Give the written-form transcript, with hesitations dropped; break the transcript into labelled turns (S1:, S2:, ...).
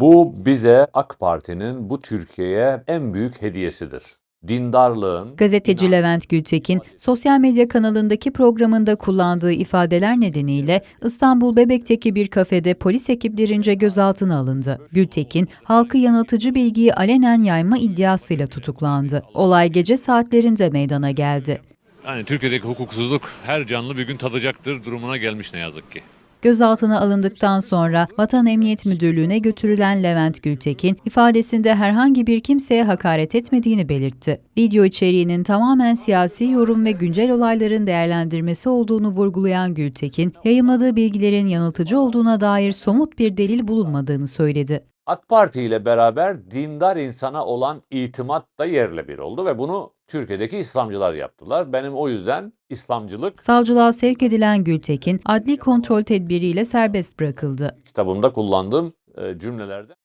S1: Bu bize AK Parti'nin bu Türkiye'ye en büyük hediyesidir. Dindarlığın,
S2: Gazeteci Levent Gültekin, sosyal medya kanalındaki programında kullandığı ifadeler nedeniyle İstanbul Bebek'teki bir kafede polis ekiplerince gözaltına alındı. Gültekin, halkı yanıltıcı bilgiyi alenen yayma iddiasıyla tutuklandı. Olay gece saatlerinde meydana geldi.
S3: Yani Türkiye'deki hukuksuzluk her canlı bir gün tadacaktır durumuna gelmiş ne yazık ki.
S2: Gözaltına alındıktan sonra Vatan Emniyet Müdürlüğü'ne götürülen Levent Gültekin, ifadesinde herhangi bir kimseye hakaret etmediğini belirtti. Video içeriğinin tamamen siyasi yorum ve güncel olayların değerlendirmesi olduğunu vurgulayan Gültekin, yayımladığı bilgilerin yanıltıcı olduğuna dair somut bir delil bulunmadığını söyledi.
S1: AK Parti ile beraber dindar insana olan itimat da yerle bir oldu ve bunu Türkiye'deki İslamcılar yaptılar. Benim o yüzden İslamcılık
S2: Savcılığa sevk edilen Gültekin, adli kontrol tedbiriyle serbest bırakıldı.
S1: kitabımda kullandığım cümlelerde